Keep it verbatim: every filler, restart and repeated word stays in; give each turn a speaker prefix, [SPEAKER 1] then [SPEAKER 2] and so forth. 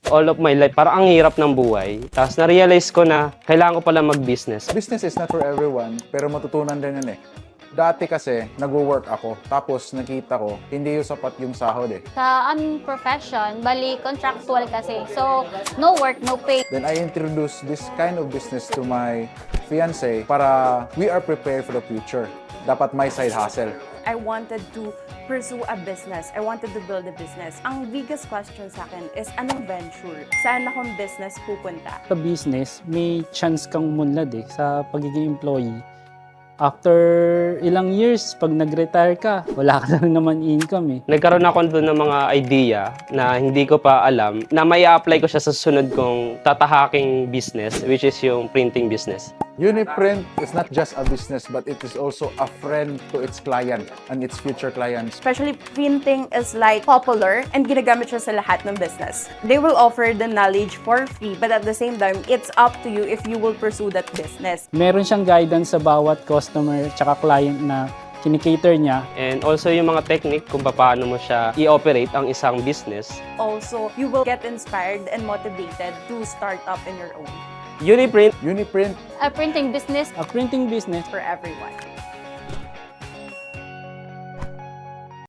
[SPEAKER 1] all of my life, parang ang hirap ng buhay. Tapos na-realize ko na kailangan ko pala mag-business.
[SPEAKER 2] Business is not for everyone, pero matutunan din yan eh. Dati kasi, nag-work ako, tapos nakita ko, hindi yung sapat yung sahod eh.
[SPEAKER 3] Sa aming profession, bali contractual kasi. So, no work, no pay.
[SPEAKER 2] Then I introduced this kind of business to my fiancé para we are prepared for the future. Dapat may side hustle.
[SPEAKER 4] I wanted to pursue a business. I wanted to build a business. Ang biggest question sa akin is, anong venture? Saan akong business pupunta?
[SPEAKER 5] Sa business, may chance kang umunlad eh, sa pagiging employee. After ilang years, pag nag-retire ka, wala ka na rin naman income eh.
[SPEAKER 1] Nagkaroon ako doon ng mga idea na hindi ko pa alam na may apply ko siya sa sunod kong tatahaking business, which is yung printing business.
[SPEAKER 2] Uniprint is not just a business, but it is also a friend to its client and its future clients.
[SPEAKER 4] Especially printing is like popular and ginagamit siya sa lahat ng business. They will offer the knowledge for free, but at the same time, it's up to you if you will pursue that business.
[SPEAKER 5] Meron siyang guidance sa bawat customer tsaka client na kinikater niya.
[SPEAKER 1] And also yung mga technique kung paano mo siya i-operate ang isang business.
[SPEAKER 4] Also, you will get inspired and motivated to start up in your own
[SPEAKER 1] Uniprint
[SPEAKER 2] Uniprint
[SPEAKER 3] A printing business
[SPEAKER 5] A printing business
[SPEAKER 4] for everyone.